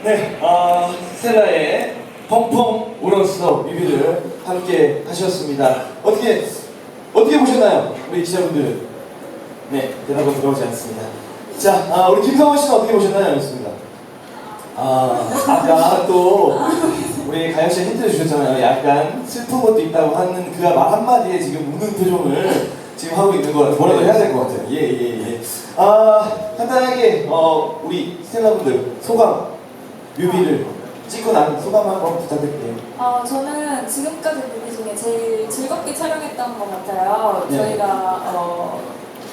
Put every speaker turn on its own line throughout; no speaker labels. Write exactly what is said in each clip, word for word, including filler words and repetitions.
네, 어, 스텔라의 펑펑 울었어 뮤비를 함께 하셨습니다. 어떻게 어떻게 보셨나요, 우리 기자분들? 네, 대답은 들어오지 않습니다. 자, 아, 우리 김성원 씨는 어떻게 보셨나요? 였습니다. 아, 아까 또 우리 가영 씨 힌트를 주셨잖아요. 약간 슬픈 것도 있다고 하는 그가 말 한마디에 지금 우는 표정을 지금 하고 있는 거 뭐라도 해야 될 것 같아요. 예, 예, 예. 아, 간단하게 어, 우리 스텔라분들 소감, 뮤비를 찍고 난 소감 한번 부탁드릴게요.
어, 저는 지금까지 뮤비 중에 제일 즐겁게 촬영했던 것 같아요.
네.
저희가 어,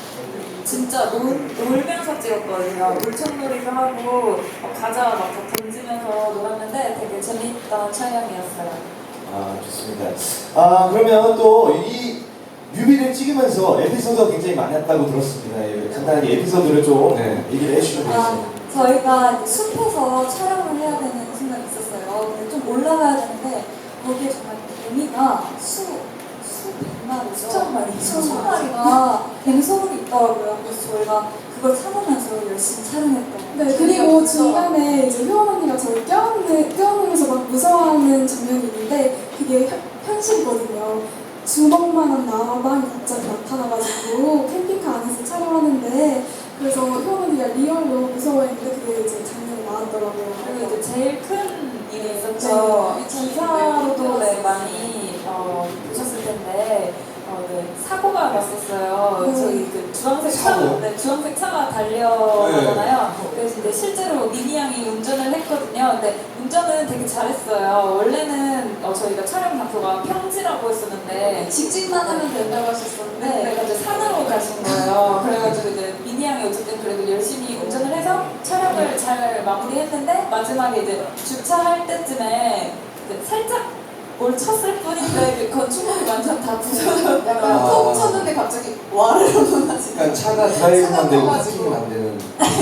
진짜 놀, 놀면서 찍었거든요. 물총놀이도 하고 어, 과자 막 던지면서 놀았는데 되게 재밌던 촬영이었어요.
아, 좋습니다. 아, 그러면 또 이 뮤비를 찍으면서 에피소드가 굉장히 많았다고 들었습니다. 예, 간단하게 에피소드를 좀
네.
얘기를 해주시면
아,
되겠습니다.
저희가 숲에서 촬영을 해야 되는 순간이 있었어요. 근데 좀 올라가야 되는데 거기에 정말 개미가 수, 수백 마리, 수천 마리, 수천 마리가 뱀소음이 있더라고요. 그래서 저희가 그걸 참으면서 열심히 촬영했던.
네, 그리고 중간에 이제 효원 언니가 저를 껴안는, 껴안으면서 막 무서워하는 장면이 있는데 그게 현, 현실이거든요. 주먹만한 나방이 갑자기 나타나가지고 캠핑카 안에서 촬영하는데 그래서 효원 언니가 리얼로 무서워했는데 그게 이제 장면이 나왔더라고요.
그리고 이제 제일 큰 일이 있었죠.
네.
기사로도 네, 많이 어, 보셨을 텐데 어, 네, 사고가 났었어요.
네.
저희 그 주황색
사고요?
차, 네, 주황색 차가 달려가잖아요. 그래서 이제 실제로 미니 양이 운전을 했거든요. 근데 운전은 되게 잘했어요. 원래는 어, 저희가 촬영 장소가 평지라고 했었는데 직진만 하면 된다고 하셨었는데 네, 이제 산으로 가신 거예요. 그래가지고 이제 미니 양이 어쨌든 그래도 열심히 운전을 해서 촬영을 잘 마무리했는데 마지막에 이제 주차할 때쯤에 이제 살짝 뭘 쳤을 뿐인데 그 건축물이 완전 다 부서졌어요.
약간 톡 쳤는데
갑자기 와르르 무너지고.
그러니까 차가 드라이브만 되고 파킹이 안 되는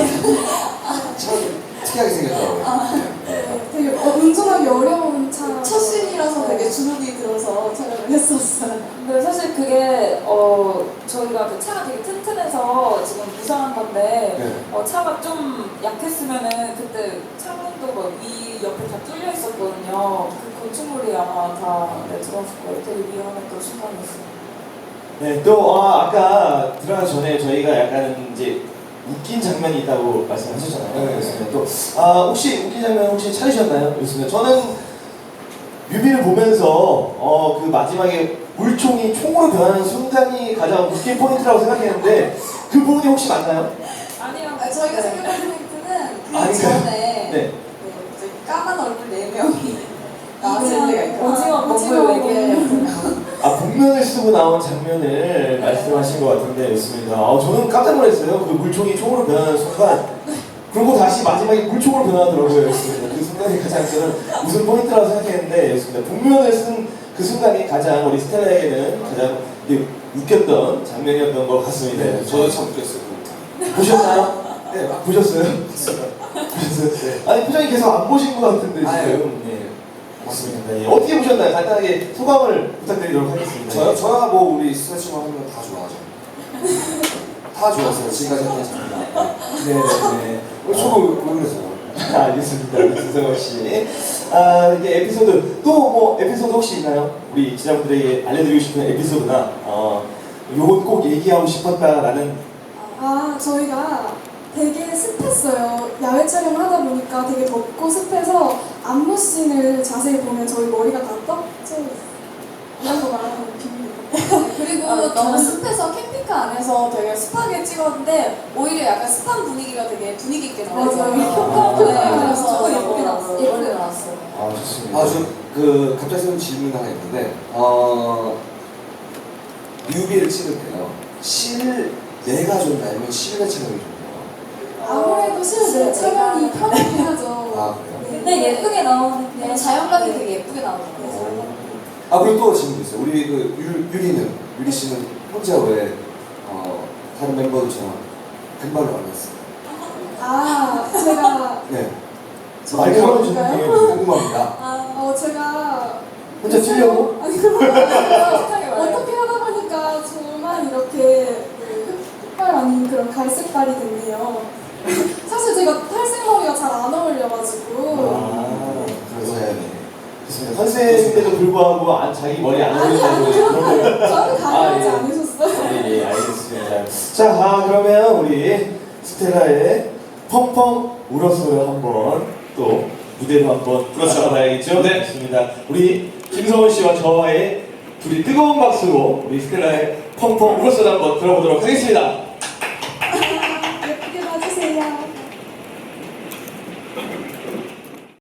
차가 좀 특이하게 생겼더라고요.
네, 되게 어, 운전하기 어려운 차.
첫 씬이라서 되게 주눅이 들어서 촬영을 했었어요.
근데 사실 그게 어 저희가 그 차가 되게 튼튼해서 지금 무상한 건데
네.
어 차가 좀 약했으면은 그때 창문도 막 위 옆에 다 뚫려 있었거든요. 그 건축물이 아마 다 네, 들어갔을 거예요. 되게 위험했던 순간이었어요.
네, 또 어, 아까 들어가기 전에 저희가 약간 이제 웃긴 장면이 있다고 말씀하셨잖아요.
네.
그렇습니다. 또 아, 혹시 웃긴 장면 혹시 찾으셨나요? 그렇습니다. 저는 뮤비를 보면서 어, 그 마지막에 물총이 총으로 변하는 순간이 가장 웃긴 포인트라고 생각했는데 그 부분이 혹시 맞나요?
아니요.
아, 저희가
네.
생각하는 포인트는 그
아니,
전에
네.
네, 이제 까만 얼굴 네 명이 나왔을 때가 있고
오징어
오징어
먹을 얘기해요.
아, 복면을 쓰고 나온 장면을 말씀하신 것 같은데 있습니다. 아, 저는 깜짝 놀랐어요. 그 물총이 총으로 변하는 순간. 그리고 다시 마지막에 물총으로 변하더라고요. 였습니다. 그 순간이 가장 저는 웃음 포인트라고 생각했는데 였습니다. 복면을 쓴 그 순간이 가장 우리 스텔라에게는 가장 이게 웃겼던 장면이었던 것 같습니다.
네, 저도 참 웃겼어요.
보셨나요? 네, 아, 보셨어요? 보셨어요?
네.
아니, 표정이 계속 안 보신 것 같은데
아유.
지금. 예. 맞습니다. 예. 어떻게 보셨나요? 간단하게 소감을 부탁드리도록 하겠습니다.
저요? 저야 뭐 우리 스트레칭만 하면 다 좋아하죠. 다 좋았어요. 지금까지 했던 장면.
네, 네.
네. 저도 왜 그랬어요?
아, 알겠습니다. 김성원 씨. 아, 이게 에피소드, 또 뭐 에피소드 혹시 있나요? 우리 지자분들에게 알려드리고 싶은 에피소드나, 어, 요건 꼭 얘기하고 싶었다라는.
아, 저희가 되게 습했어요. 야외 촬영을 하다 보니까 되게 덥고 습해서 안무씬을 자세히 보면 저희 머리가 다 떡져 이런 거 말하는 비밀.
그리고
아,
너무
너무
습해서 캠핑카 안에서 되게 습하게 찍었는데 오히려 약간 습한 분위기가 되게 분위기 있게 나왔어요.
맞아요.
효과 네, 그래서
효과
예쁘게 나왔어요. 예쁘게
예쁘게
나왔어요.
아, 좋습니다.
아, 저 그 갑자기 생긴 질문 하나 있는데 어 뮤비를 찍을 때요. 실내가 좋나요? 아니면 실내 촬영이 좋나요?
아무래도 실내 촬영이 편하긴 하죠.
아, 그래요?
근데 예쁘게 나오는
네,
게
자연감이 되게 예쁘게 나오더라고요.
아, 그리고 또 질문 있어요. 우리 그 유, 유리는 유리 씨는 혼자 왜 어, 다른 멤버들처럼 금발로 안 했어요?
아, 제가
네.
말 걸어주는 게
궁금합니다.
어, 제가
혼자 뛰려고?
아니 그런 거 아니라
솔직하게 말해요.
어떻게 하다 보니까 저만 이렇게 그 흑발 아닌 그런 갈색발이 됐네요. 사실 제가 탈색머리가 잘 안 어울려가지고
컨셉인데도 불구하고 안, 자기 머리 안
아니
올린다고
아니
그런 거.
그런 거 저는 가려하지
아, 예.
않으셨어요.
예, 예, 알겠습니다. 자, 아, 그러면 우리 스텔라의 펑펑 울었어요 한번 또 무대로 한번
그렇죠.
봐야겠죠?
네.
좋습니다. 우리 김성원 씨와 저와의 둘이 뜨거운 박수로 우리 스텔라의 펑펑 울었어요 한번 들어보도록 하겠습니다.